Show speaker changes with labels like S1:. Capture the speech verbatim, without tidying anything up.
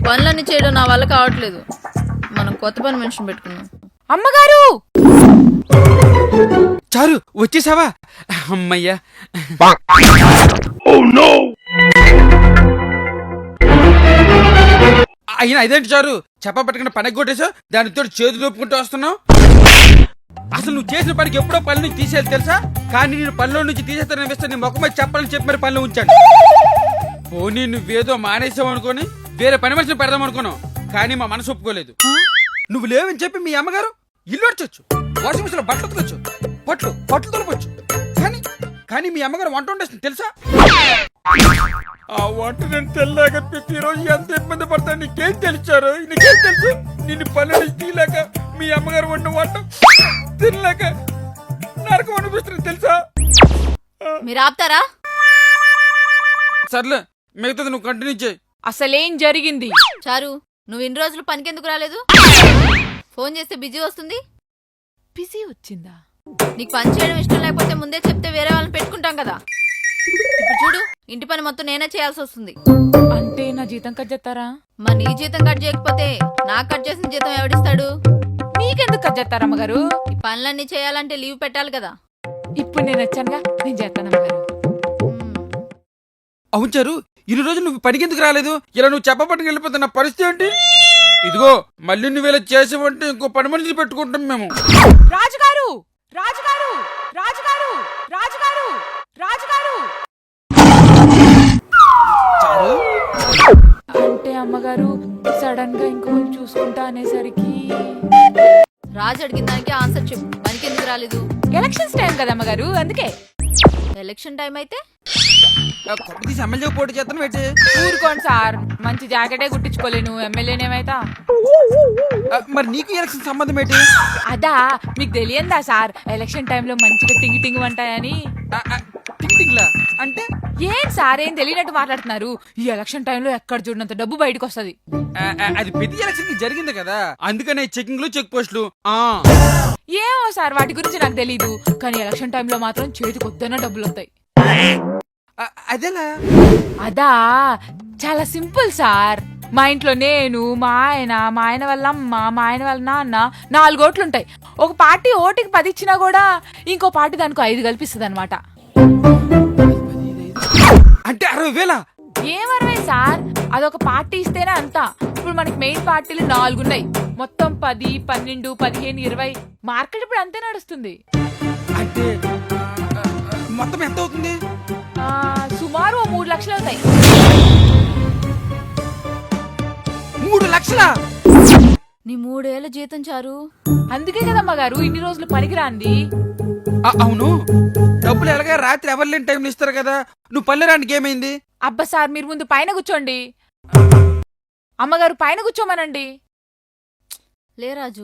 S1: పనులన్నీ చేయడం నా వల్ల కావట్లేదు. మనం కొత్త పని మనిషిని పెట్టుకున్నాం.
S2: అమ్మగారు
S3: చారు వచ్చేసావా? అమ్మయ్యా. అయినా ఇదేంటి చారు, చెప్ప పట్టుకుని పనికి కొట్టేసా, దానితో చేతులు ఒప్పుకుంటూ వస్తున్నావు. అసలు నువ్వు చేసిన పనికి ఎప్పుడో పని నుంచి తీసేయాలి తెలుసా? కానీ నేను పనిలో నుంచి తీసేస్తాననిపిస్తే నీ ముఖం మీద చెప్పాలని చెప్పి మరి పనిలో ఉంచాను. పోనీ నువ్వేదో మానేసావు అనుకోని వేరే పని మనిషిని పెడదాం అనుకున్నావు, కానీ మా మనసు ఒప్పుకోలేదు. నువ్వు లేవని చెప్పి మీ అమ్మగారు ఇల్లు అడచొచ్చు, వాషింగ్ మిషన్ లో బట్టలు ఉతకొచ్చు, పట్లు పట్లు తొలపచ్చు, కానీ కానీ మీ అమ్మగారు వంట వండేస్తుంది తెలుసా? ఆ వంట నేను తెల్లాక ప్రతిరోజు ఎంత ఇబ్బంది పడతాను నీకేం తెలిసారు? నీకేం తెలుసు? నిన్ను పని నుంచి తీయలేక మీ అమ్మగారు వంట వంట తినలేక నరకం అనిపిస్తుంది తెలుసా?
S1: మీరు ఆపుతారా?
S3: సర్లే, మిగతాది నువ్వు కంటిన్యూ చేయి.
S2: అసలేం జరిగింది?
S1: చారు, నువ్వు ఇన్ని రోజులు పనికెందుకు రాలేదు? ఫోన్ చేస్తే బిజీ వస్తుంది.
S2: బిజీ వచ్చిందా?
S1: నీకు పని చేయడం ఇష్టం లేకపోతే ముందే చెప్తే వేరే వాళ్ళని పెట్టుకుంటాం కదా. ఇప్పుడు చూడు, ఇంటి పని మొత్తం నేనే చేయాల్సి వస్తుంది.
S2: అంటే నా జీతం కట్ చేస్తారా?
S1: మరి నీ జీతం కట్ చేయకపోతే నాకు కట్ చేసిన జీతం ఎవడిస్తాడు?
S2: మీకెందుకు కట్ చేస్తారా అమ్మగారు?
S1: ఈ పనులన్నీ చేయాలంటే లీవ్ పెట్టాలి కదా.
S2: ఇప్పుడు నేను వచ్చానుగా, నేను చేస్తాను అమ్మగారు.
S3: అవును చారు, ఇన్ని రోజులు నువ్వు పనికి ఎందుకు రాలేదు? ఇలా నువ్వు చెప్పబట్టుకు వెళ్ళిపోతున్న పరిస్థితి ఏంటి? ఇదిగో మళ్ళీ నువ్వు ఇలా చేసావంటే ఇంకో పని మనిషిని పెట్టుకుంటాం మేము.
S2: రాజుగారు రాజుగారు రాజుగారు రాజుగారు రాజుగారు అంటే అమ్మగారు సడన్ గా ఇంకో చూసుకుంటా అనేసరికి
S1: రాజు అడిగిన దానికి ఆన్సర్ చెప్పు. పనికి ఎందుకు రాలేదు?
S2: ఎలక్షన్స్ టైం కదా అమ్మగారు, అందుకే.
S1: ఎలక్షన్ టైం అయితే
S3: తీసి ఎమ్మెల్యే పోటీ చేస్తాను పెట్టి
S2: ఊరుకోండి సార్, మంచి జాకెటే కుట్టించుకోలేను, ఎమ్మెల్యేనేమైతా.
S3: మరి నీకు ఎలక్షన్ సంబంధం ఏంటి?
S2: అదా మీకు తెలియందా సార్, ఎలక్షన్ టైంలో మంచిగా టింగి టింగి ఉంటాయని.
S3: టింగ్లా అంటే
S2: ఏం సార్, ఏం తెలియనట్టు మాట్లాడుతున్నారు? ఈ ఎలక్షన్ టైంలో ఎక్కడ చూడనంత డబ్బు బయటకు వస్తుంది.
S3: అది ప్రతి ఎలక్షన్ కి జరిగింది కదా, అందుకనే చెకింగ్లు చెక్ పోస్టులు.
S2: ఏమో సార్, వాటి గురించి నాకు తెలీదు, కానీ ఎలక్షన్ టైంలో మాత్రం చేతికి వద్దన్న డబ్బులు వస్తాయి.
S3: అదేలా?
S2: అదా చాలా సింపుల్ సార్. మా ఇంట్లో నేను, మా ఆయన, మా ఆయన వాళ్ళ అమ్మ, మా ఆయన వాళ్ళ నాన్న నాలుగు ఓట్లుంటాయి. ఒక పార్టీ ఓటుకి పది ఇచ్చినా కూడా ఇంకో పార్టీ దానికి ఐదు కల్పిస్తుంది అనమాట.
S3: అంటే అరవై వేల?
S2: ఏం అరవై సార్, అదొక పార్టీ ఇస్తేనే అంతా. ఇప్పుడు మనకి మెయిన్ పార్టీలు నాలుగున్నాయి, మొత్తం పది, పన్నెండు, పదిహేను, ఇరవై. మార్కెట్ ఇప్పుడు అంతే నడుస్తుంది.
S3: అంటే మొత్తం ఎంత అవుతుంది?
S2: సుమారు ఓ మూడు లక్షలు అవుతాయి.
S3: మూడు లక్షల?
S1: నీ మూడేళ్ల జీతం చారు.
S2: అందుకే కదమ్మా గారు ఇన్ని రోజులు పనికిరాంది.
S3: అవును, డబ్బులు ఎలాగా రాత్రి ఎవరు లేని టైంలో ఇస్తారు కదా, నువ్వు పల్లె రానికి ఏమైంది?
S2: అబ్బా సార్, మీరు ముందు పైన కూర్చోండి. అమ్మగారు పైన కూర్చోమనండి.
S1: లే రాజు,